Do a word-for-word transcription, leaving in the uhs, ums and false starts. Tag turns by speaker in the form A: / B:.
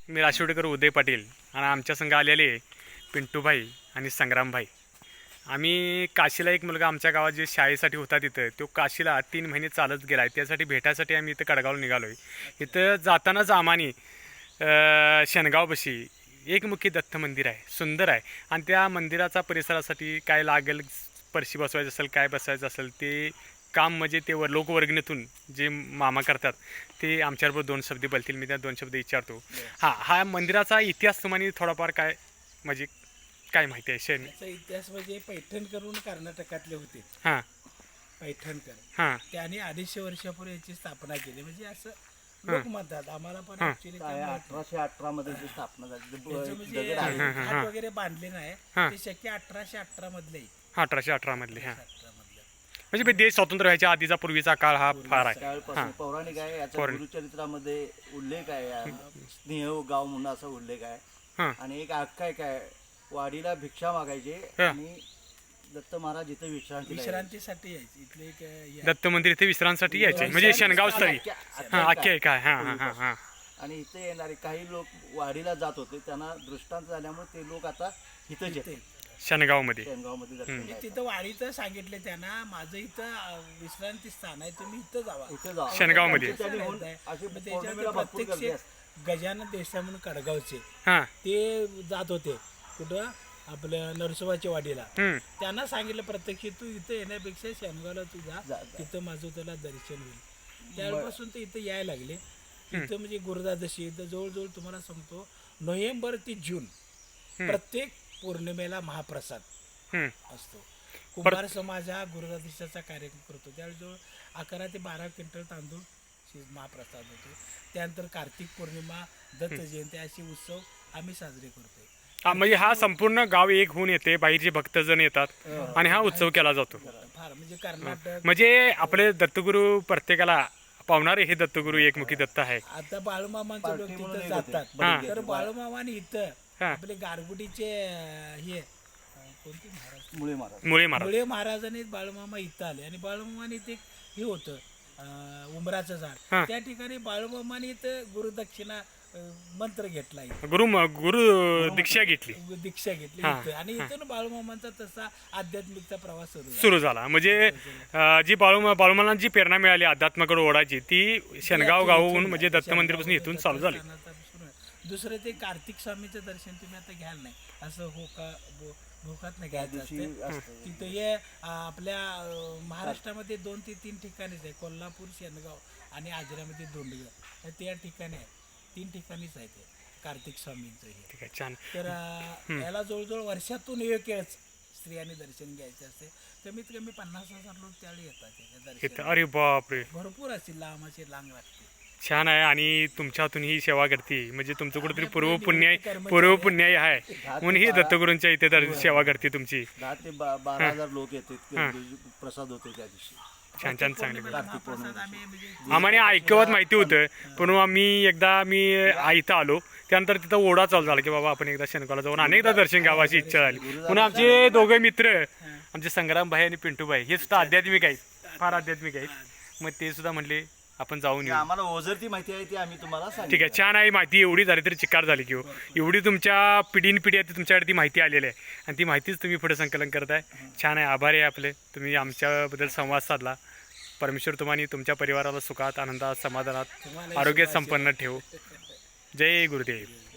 A: मी राशिवडेकर उदय पाटील आणि आमच्या संघ आलेले पिंटूभाई आणि संग्रामभाई. आम्ही काशीला एक मुलगा आमच्या गावात जे शाळेसाठी होता तिथं तो काशीला तीन महिने चालत गेला आहे. त्यासाठी भेटायसाठी आम्ही इथं कडगावला निघालो आहे. इथं जातानाच आम्हानी शेणगावपाशी एकमुखी दत्त मंदिर आहे, सुंदर आहे. आणि त्या मंदिराचा परिसरासाठी काय लागेल, परशी बसवायचं असेल, काय बसवायचं असेल ते काम म्हणजे ते वर लोकवर्गणीतून जे मामा करतात ते आमच्याबरोबर दोन शब्द बोलतील. मी त्या दोन शब्द विचारतो. हां, हा मंदिराचा इतिहास तुम्हाला थोडाफार काय म्हणजे काय माहिती आहे? शेण
B: इतिहास म्हणजे पैठण करून कर्नाटकातले होते.
A: हां,
B: पैठणकर.
A: हां,
B: त्याने अडीचशे वर्षापूर्वी याची स्थापना केली. म्हणजे असं लोक म्हणतात. आम्हाला पण ऍक्च्युली
C: अठराशे अठरा मध्ये जी स्थापना झाली
B: म्हणजे घाट वगैरे बांधले नाही. ते शक्य अठराशे अठरा मधले
A: अठराशे अठरा मधले. हां,
B: अठरा मधले
A: म्हणजे देश स्वतंत्र व्हायच्या आधीचा पूर्वीचा काळ हा फार आहे.
C: त्यावेळेपासून पौराणिक आहे. याचा गुरुचरित्रामध्ये उल्लेख आहे. स्नेह गाव म्हणून असा उल्लेख आहे.
A: हां,
C: आणि एक आख्यायिका आहे. वाडीला भिक्षा मागायचे आणि दत्त महाराज इथे विश्रांती
B: विश्रांतीसाठी यायचे. इथले एक हे
A: दत्त मंदिर इथे विश्रांतीसाठी यायचे म्हणजे शेणगाव स्थळी. हां, आख्या आहे काय. हां हां हां हां
C: आणि इथे येणारे काही लोक वाडीला जात होते. त्यांना दृष्टांत झाल्यामुळे ते लोक आता इथंच येते
A: शेणगावमध्ये.
C: शेणगावमध्ये दर्शन
B: म्हणजे
C: घ्यायचं.
B: तिथं वाडीचं सांगितले त्यांना, माझं इथं अं, विश्रांती स्थान आहे, तुम्ही इथं जावा.
C: इथं जा.
A: शेणगावमध्ये.
C: त्यांनी होऊन अशी
B: मग
C: पौर्णिमेला
B: त्याच्यात
C: भरपूर गर्दी
B: प्रत्यक्ष
C: असते.
B: गजानन देसाई म्हणून कडगावचे
A: हां,
B: ते जात होते. कुठं? आपल्या नरसोबाच्या वाडीला.
A: हम्म,
B: त्यांना सांगितलं प्रत्यक्ष तू इथं येण्यापेक्षा शेणगावला तू जा,
C: जा, जा.
B: तिथं माझं तुला दर्शन होईल. त्यावेळेपासून ते इथं यायला लागले. इथं म्हणजे गुरुदादशी इथं जवळजवळ तुम्हाला सांगतो नोव्हेंबर ते जून प्रत्येक पौर्णिमेला महाप्रसाद
A: हम्म.
B: असतो. कुंभार समाज हा गुरुदादशीचा कार्यक्रम करतो. त्यावेळी जवळ अकरा ते बारा क्विंटल तांदूळ शि- महाप्रसाद होतो. त्यानंतर कार्तिक पौर्णिमा, दत्त जयंती असे उत्सव आम्ही साजरे करतोय.
A: हा, म्हणजे हा संपूर्ण गाव एक होऊन येते, बाहेरचे भक्तजण येतात आणि हा उत्सव केला जातो.
B: फार म्हणजे कर्नाटक
A: म्हणजे आपले दत्तगुरू प्रत्येकाला पावणारे हे दत्तगुरू एकमुखी दत्त आहे.
B: आता बाळूमामांचे लोक
C: पार्टी म्हणून
B: तिथं
C: एक होते.
B: जातात.
C: बरं,
B: तर बाळूमामाने इथं
A: हा.
B: आपले गारगुटीचे अं, हे अं, कोणते महाराज
C: मुळे महाराज
A: मुळे महाराज.
B: मुळे महाराजांनी बाळूमामा इथं आले आणि बाळूमामाने ते हे होतं अं, उमराचं
A: हा.
B: झाड. त्या ठिकाणी बाळूमामाने इथं गुरुदक्षिणा अं, मंत्र घेतला इथं.
A: गुरु गुरु दीक्षा घेतली,
B: दीक्षा घेतली
A: हा,
B: इथं. आणि इथून बाळूमामांचा तसा आध्यात्मिकचा प्रवास सुरू झाला.
A: सुरू झाला. म्हणजे अं, जी बाळू बाळूमाला जी प्रेरणा मिळाली अध्यात्माकडे ओढायची ती शेणगाव गावहून म्हणजे दत्त मंदिरपासून इथून चालू झाली.
B: दुसरं ते कार्तिक स्वामीचं दर्शन तुम्ही आता घ्याल नाही, असं हो का भोकात नाही घ्यायचं असतं. तिथं हे अं, आपल्या अं, महाराष्ट्रामध्ये दोन ते तीन ठिकाणीच आहे. कोल्हापूर, शेणगाव आणि आजऱ्यामध्ये दोंडगाव हे त्या ठिकाणी आहे. तीन ठिकाणीच आहे ते कार्तिक स्वामींचं हे.
A: ठीक आहे, छान.
B: तर अं, याला जवळजवळ वर्षातून एक वेळच स्त्रियांनी दर्शन घ्यायचे असते. कमीत कमी पन्नास हजार लोक त्यावेळी येतात त्याच्या
A: इथं
B: दर्शन.
A: अरे बापरे,
B: भरपूर असतील, लांब असे लांब लागते.
A: छान आहे. आणि तुमच्या हातून ही सेवा करते म्हणजे तुमचं कुठेतरी पूर्व पुण्य पूर्व पुण्याई आहे म्हणून ही दत्तगुरूंच्या इथे तर सेवा करते तुमची.
C: दहा ते बा- बारा हजार लोक येतात. प्रसाद होते त्या दिवशी.
A: छान छान, चांगली.
B: महाप्रसाद आम्ही म्हणजे
A: आम्हाला ऐकवत माहिती होतं, पण आम्ही एकदा मी इथं आलो त्यानंतर तिथं ओढा चालू झाला की बाबा आपण एकदा शेणगावला जाऊन अनेकदा दर्शन घ्यावं अशी इच्छा झाली. म्हणून आमचे दोघे मित्र आमचे संग्रामभाई आणि पिंटूभाई हे सुद्धा आध्यात्मिक आहेत, फार आध्यात्मिक आहेत. मग ते सुद्धा म्हणले आपण जाऊन
C: ते
A: येऊ.
C: आम्हाला ओझरती माहिती आहे ती आम्ही तुम्हाला सांगितली.
A: ठीक आहे, छान आहे. माहिती एवढी झाली तरी चिकार झाली की हो. एवढी तुमच्या पिढीन पिढी आहे तुमच्याकडे ती माहिती आलेली आहे आणि ती माहितीच तुम्ही पुढे संकलन करताय. छान आहे, आभारी आहे आपले. तुम्ही आमच्याबद्दल संवाद साधला. परमेश्वर तुम्हाला तुमच्या परिवाराला सुखात, आनंदात, समाधानात, आरोग्यात संपन्न ठेवू. जय गुरुदेव.